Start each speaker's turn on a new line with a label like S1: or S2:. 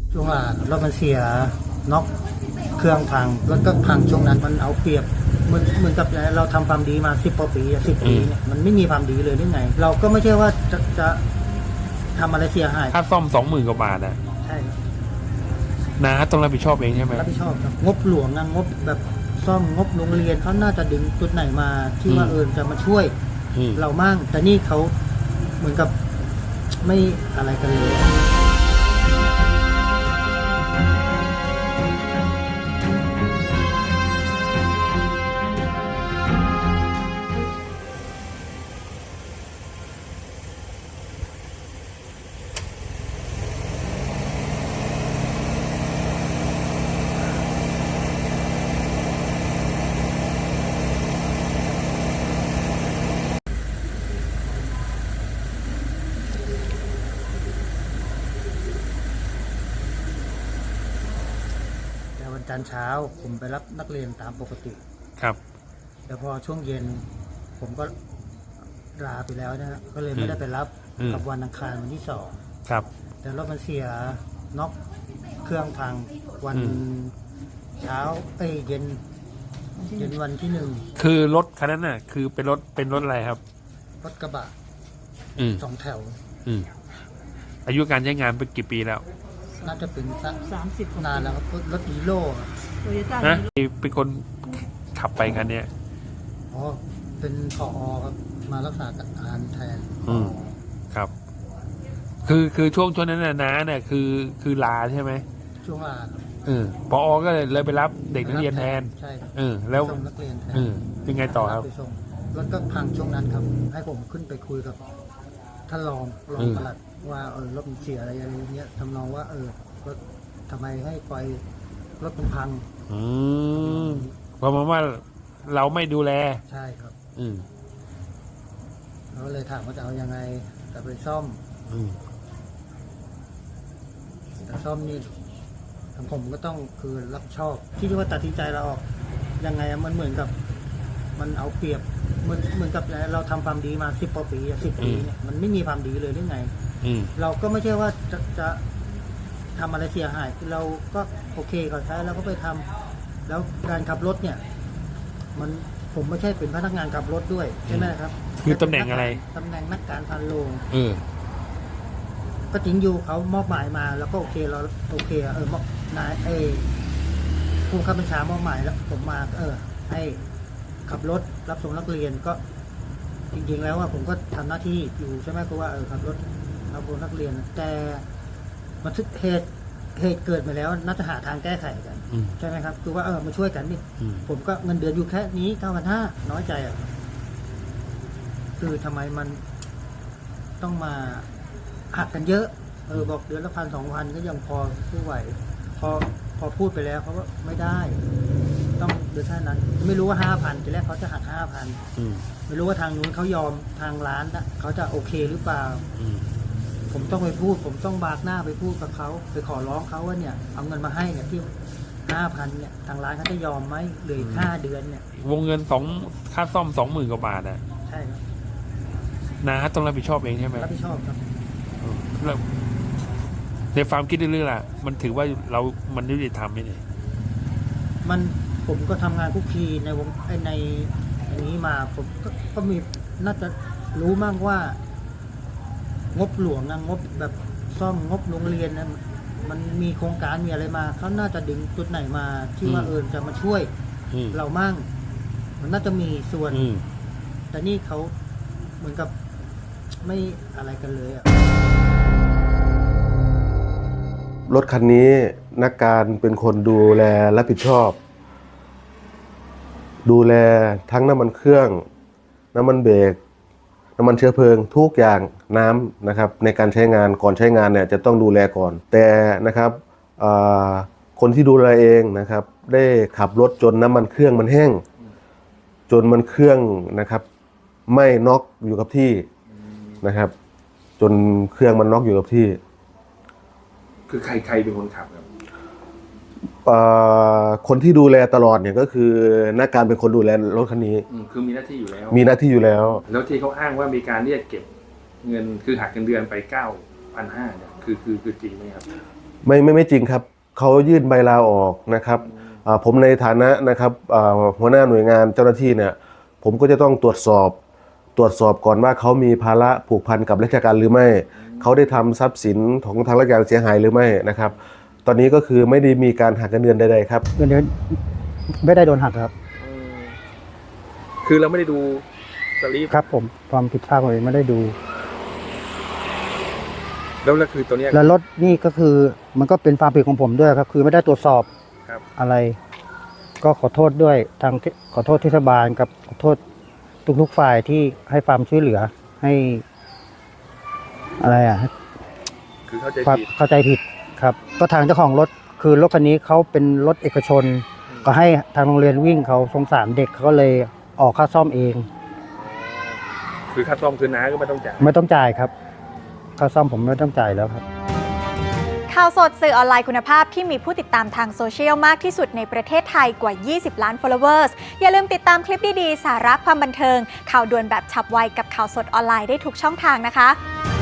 S1: ช่วงว่ารถมันเสียน็อกเครื่องพังรถก็พังช่วงนั้นมันเอาเปรียบเหมือนกับเราทำความดีมา10 กว่าปี10 ปีเนี่ยมันไม่มีความดีเลยหรือไงเราก็ไม่ใช่ว่าจะทำอะไรเสียหาย
S2: ค่าซ่อม20,000 กว่าบาทนะ
S1: ใช่ครับ
S2: น้าต้องรับผิดชอบเองใช่ไหม
S1: รับผิดชอบครับงบหลวงนะงบแบบซ่อมงบโรงเรียนเขาน่าจะดึงจุดไหนมาที่ว่าจะมาช่วยเรามั่งแต่นี่เขาเหมือนกับไม่อะไรกันเลยวันจันทร์เช้าผมไปรับนักเรียนตามปกติ
S2: ครับ
S1: แต่พอช่วงเย็นผมก็ลาไปแล้วนะก็เลยไม่ได้ไปรับกับวันอังคารวันที่2
S2: ครับ
S1: แต่รถมันเสียน็อกเครื่องพังวันเช้าเย็นวันที่1
S2: คือรถคันนั้นน่ะคือเป็นรถอะไรครับ
S1: รถกระบะ2 แถว
S2: อายุการใช้งานเป็นกี่ปีแล้ว
S1: น่าจะเป็น30 นานแล้วครับรถอีโร่
S2: นะเป็นคนขับไปคันนี้
S1: อ๋อเป็นผอครับมารักษาการแทน
S2: ครับคือช่วงนั้นน่ะน้าเนี่ยคือลาใช่ไหม
S1: ช่วงลา
S2: ผอก็เลยไปรับเด็กนักเรียนแทน
S1: ใช่ครับ
S2: แล้ว
S1: ส่งนักเรียนแทน
S2: ยังไงต่อครับ
S1: ไปส่งรถก็พังช่วงนั้นครับให้ผมขึ้นไปคุยกับท่านรองปลัดว่ารถมันเสียอะไรอย่างเงี้ยทำนองว่ารถทำไมให้ปล่อยรถมันพัง
S2: เพราะว่าเราไม่ดูแล
S1: ใช่ครับเราเลยถามว่าจะเอายังไงจะไปซ่อมแต่ซ่อมนี่ทางผมก็ต้องคือรับชอบที่ว่าตัดสินใจเราออกยังไงมันเหมือนกับมันเอาเปรียบเหมือนกับเราทำความดีมา10 กว่าปี10 ปีเนี่ยมันไม่มีความดีเลยหรือไงเราก็ไม่ใช่ว่าจะทำอะไรเสียหายเราก็โอเคเขาใช้เราก็ไปทำแล้วการขับรถเนี่ยผมไม่ใช่เป็นพนักงานขับรถด้วยใช่ไหมครับ
S2: คือตำแหน่งอะไร
S1: ตำแหน่งนักการพันโรงก็จริงอยู่เขามอบหมายมาแล้วก็โอเคเราโอเคมอบนายผู้ข้าบัญชามอบหมายแล้วผมมาให้ขับรถรับส่งนักเรียนก็จริงๆแล้วว่าผมก็ทำหน้าที่อยู่ใช่ไหมคือว่าขับรถรับส่งนักเรียนแต่มันทึกเหตุเกิดมาแล้วน่าจะหาทางแก้ไขกันใช่ไหมครับคือว่ามาช่วยกันนี่ผมก็เงินเดือนอยู่แค่นี้9,500น้อยใจคือทำไมมันต้องมาหักกันเยอะบอกเดือนละ1,000-2,000ก็ยังพอสู้ไหวพอพูดไปแล้วเขาก็ไม่ได้ต้องเดือนเท่านั้นไม่รู้ว่า5,000ทีแรกเขาจะหัก5,000ไม่รู้ว่าทางนู้นเขายอมทางร้านนะเขาจะโอเคหรือเปล่าผมต้องไปพูดผมต้องบากหน้าไปพูดกับเขาไปขอร้องเขาว่าเนี่ยเอาเงินมาให้เนี่ยที่5,000เนี่ยทางร้านเขาจะยอมไหมเหลือ5 เดือนเนี่ยว
S2: งเงินค่าซ่อม20,000 กว่าบาท
S1: ใช่ครับ
S2: น้าต้องรับผิดชอบเองใช่ไหม
S1: รับผิดชอบครับ
S2: แล้วในความคิดเรื่องล่ะมันถือว่ามันยุติธรรมไหมเนี่ย
S1: ผมก็ทำงานคุกคีในวงในอย่างนี้มาผมก็มีน่าจะรู้มากว่างบหลวงนะงบแบบซ่อมงบโรงเรียนนะมันมีโครงการมีอะไรมาเขาน่าจะดึงจุดไหนมาที่ว่าจะมาช่วยเรามั่งมันน่าจะมีส่วนแต่นี่เขาเหมือนกับไม่อะไรกันเลย
S3: รถคันนี้นักการเป็นคนดูแลรับผิดชอบดูแลทั้งน้ำมันเครื่องน้ำมันเบรกน้ำมันเชื้อเพลิงทุกอย่างน้ำนะครับในการใช้งานก่อนใช้งานเนี่ยจะต้องดูแลก่อนแต่นะครับคนที่ดูแลเองนะครับได้ขับรถจนน้ำมันเครื่องมันแห้งจนมันเครื่องนะครับไม่น็อกอยู่กับที่นะครับจนเครื่องมันน็อกอยู่กับที่
S2: คือใครเป็นคนขับครับ
S3: คนที่ดูแลตลอดเนี่ยก็คือนักการเป็นคนดูแลรถคันนี้
S2: คือมีหน้าที่อยู่แล้ว
S3: มีหน้าที่อยู่แล้ว
S2: แล้วที่เขาอ้างว่ามีการเรียกเก็บเงินคือหักเงินเดือนไป 9,500 เนี่ยคือจริงไหมครับ
S3: ไม่จริงครับเขายื่นใบลาออกนะครับผมในฐานะนะครับหัวหน้าหน่วยงานเจ้าหน้าที่เนี่ยผมก็จะต้องตรวจสอบก่อนว่าเขามีภาระผูกพันกับราชการหรือไม่เขาได้ทำทรัพย์สินของทางราชการเสียหายหรือไม่นะครับตอนนี้ก็คือไม่ได้มีการหักเงินเดือนใดๆครับ
S1: เงินเดือนไม่ได้โดนหักครับ
S2: คือเราไม่ได้ดูสลิป
S1: ครับผมความผิดพลาดของผมไม่ได้ดู
S2: แล้วคือตัวเนี้ย
S1: แล้วรถนี่ก็คือมันก็เป็นความผิดของผมด้วยครับ คือไม่ได้ตรวจสอบ
S2: ครับ
S1: อะไร ก็ขอโทษด้วยขอโทษเทศบาลกับขอโทษทุกๆฝ่ายที่ให้ความช่วยเหลือให้อะไร
S2: คือเข้าใจ
S1: ความ
S2: ผิด
S1: เข้าใจผิดครับ ก็ทางเจ้าของรถคือรถคันนี้เขาเป็นรถเอกชน ก็ให้ทางโรงเรียนวิ่งเขาสงสารเด็กเขาก็เลยออกค่าซ่อมเอง
S2: คือค่าซ่อมคือน้าก็ไม่ต้องจ่าย
S1: ไม่ต้องจ่ายครับค่าซ่อมผมไม่ต้องจ่ายแล้วครับ
S4: ข่าวสดสื่อออนไลน์คุณภาพที่มีผู้ติดตามทางโซเชียลมากที่สุดในประเทศไทยกว่า 20 ล้าน followers อย่าลืมติดตามคลิปดีๆ สาระความบันเทิง ข่าวด่วนแบบฉับไวกับข่าวสดออนไลน์ได้ทุกช่องทางนะคะ